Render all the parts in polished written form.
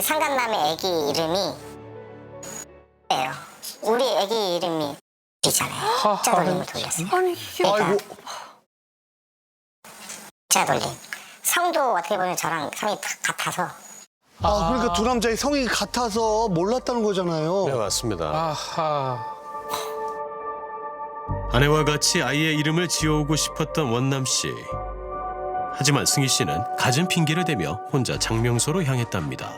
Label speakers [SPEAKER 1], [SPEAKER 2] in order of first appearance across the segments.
[SPEAKER 1] 상간남의 아기 이름이 예요. 우리 아기 이름이 이잖아요. 짜돌림을 돌렸어요.
[SPEAKER 2] 아니 이게
[SPEAKER 1] 그러니까 짜돌림. 성도 어떻게 보면 저랑 성이 같아서.
[SPEAKER 3] 그러니까 두 남자의 성이 같아서 몰랐다는 거잖아요.
[SPEAKER 4] 네, 맞습니다.
[SPEAKER 2] 아하.
[SPEAKER 5] 아내와 같이 아이의 이름을 지어오고 싶었던 원남 씨. 하지만 승희 씨는 갖은 핑계를 대며 혼자 장명소로 향했답니다.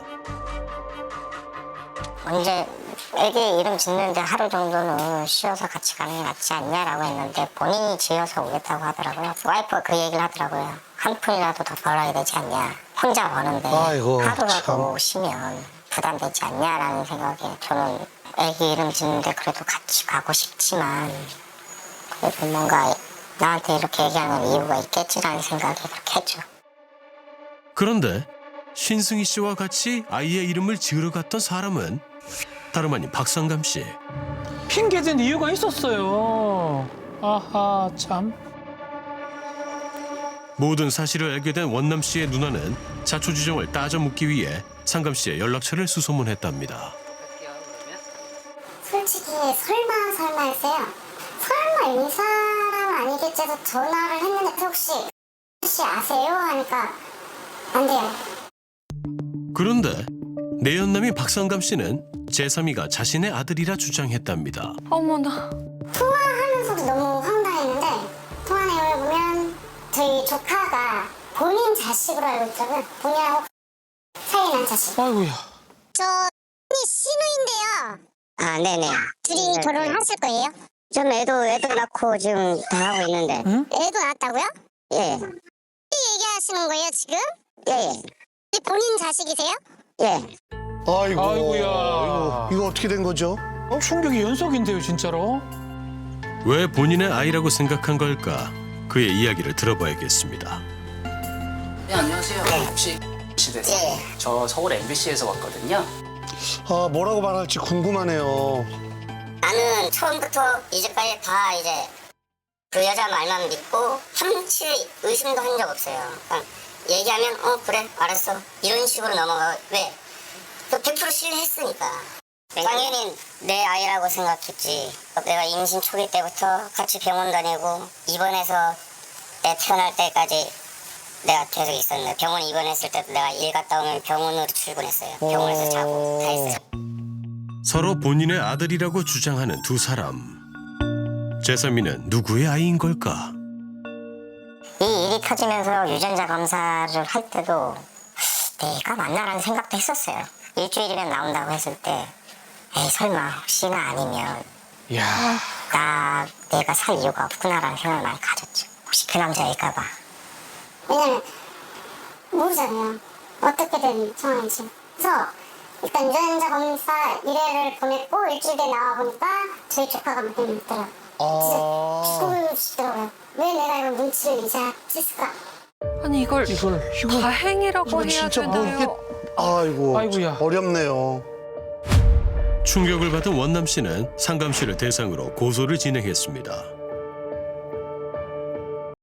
[SPEAKER 1] 언제 애기 이름 짓는데 하루 정도는 쉬어서 같이 가는 게 낫지 않냐라고 했는데 본인이 지어서 오겠다고 하더라고요. 와이프가 그 얘기를 하더라고요. 한 푼이라도 더 벌어야 되지 않냐. 혼자 버는데
[SPEAKER 3] 아이고,
[SPEAKER 1] 하루라도 쉬면 부담되지 않냐라는 생각에 저는 애기 이름 짓는데 그래도 같이 가고 싶지만 그래도 뭔가 나한테 이렇게 얘기하는 이유가 있겠지라는 생각에 그렇게 했죠.
[SPEAKER 5] 그런데 신승희 씨와 같이 아이의 이름을 지으러 갔던 사람은 다름 아닌 박상감 씨.
[SPEAKER 2] 핑계댄 이유가 있었어요. 아하 참.
[SPEAKER 5] 모든 사실을 알게 된 원남 씨의 누나는 자초지종을 따져 묻기 위해 상감 씨의 연락처를 수소문했답니다.
[SPEAKER 1] 솔직히 설마 했어요. 설마 이 사람 아니겠지 해서 전화를 했는데 혹시 아세요? 하니까 안 돼요.
[SPEAKER 5] 그런데 내연남인 박상감 씨는 제3위가 자신의 아들이라 주장했답니다.
[SPEAKER 6] 어머나.
[SPEAKER 1] 통화하면서도 너무 황당했는데 통화 내용을 보면 저희 조카가 본인 자식으로 알고 있더라고요. 본인하고 사이 난 자식.
[SPEAKER 2] 아이고야.
[SPEAKER 1] 저 신우인데요. 아, 네네. 둘이 결혼하실 거예요? 전 애도 낳고 지금 다 하고 있는데.
[SPEAKER 2] 응?
[SPEAKER 1] 애도 낳았다고요? 예. 얘기하시는 거예요 지금? 예. 본인 자식이세요? 예.
[SPEAKER 3] 아이고.
[SPEAKER 2] 아이고야.
[SPEAKER 3] 이거 어떻게 된 거죠?
[SPEAKER 2] 충격이 연속인데요 진짜로.
[SPEAKER 5] 왜 본인의 아이라고 생각한 걸까? 그의 이야기를 들어봐야겠습니다.
[SPEAKER 7] 네, 안녕하세요. 혹시 시대에서
[SPEAKER 1] 예.
[SPEAKER 7] 저 서울 MBC에서 왔거든요.
[SPEAKER 3] 뭐라고 말할지 궁금하네요.
[SPEAKER 1] 나는 처음부터 이제까지 다 이제 그 여자 말만 믿고 한치 의심도 한 적 없어요. 그러니까 얘기하면 그래 알았어 이런 식으로 넘어가. 왜? 그 100% 신뢰했으니까. 당연히 내 아이라고 생각했지. 내가 임신 초기 때부터 같이 병원 다니고 입원해서 내 태어날 때까지 내가 계속 있었는데 병원 입원했을 때도 내가 일 갔다 오면 병원으로 출근했어요. 병원에서 자고 다 했어요.
[SPEAKER 5] 서로 본인의 아들이라고 주장하는 두 사람. 제3위는 누구의 아이인 걸까?
[SPEAKER 1] 이 일이 터지면서 유전자 검사를 할 때도 내가 맞나라는 생각도 했었어요. 일주일이면 나온다고 했을 때 에이 설마 혹시나 아니면
[SPEAKER 2] 야.
[SPEAKER 1] 내가 살 이유가 없구나라는 생각을 많이 가졌죠. 혹시 그 남자일까 봐. 왜냐면 모르잖아요. 어떻게 된 상황인지. 그래서 일단 유전자 검사 1회를 보냈고 일주일 뒤에 나와보니까 저희 조카가 맞는 있더라고요. 진짜 죽으시더라고요. 왜 내가 이런 눈치를 이제 챘을까?
[SPEAKER 6] 아니 이걸
[SPEAKER 2] 이거
[SPEAKER 6] 다행이라고
[SPEAKER 3] 이건
[SPEAKER 6] 해야
[SPEAKER 3] 진짜
[SPEAKER 6] 되나요?
[SPEAKER 3] 아이고.
[SPEAKER 2] 아이고야.
[SPEAKER 3] 어렵네요.
[SPEAKER 5] 충격을 받은 원남 씨는 상감 씨를 대상으로 고소를 진행했습니다.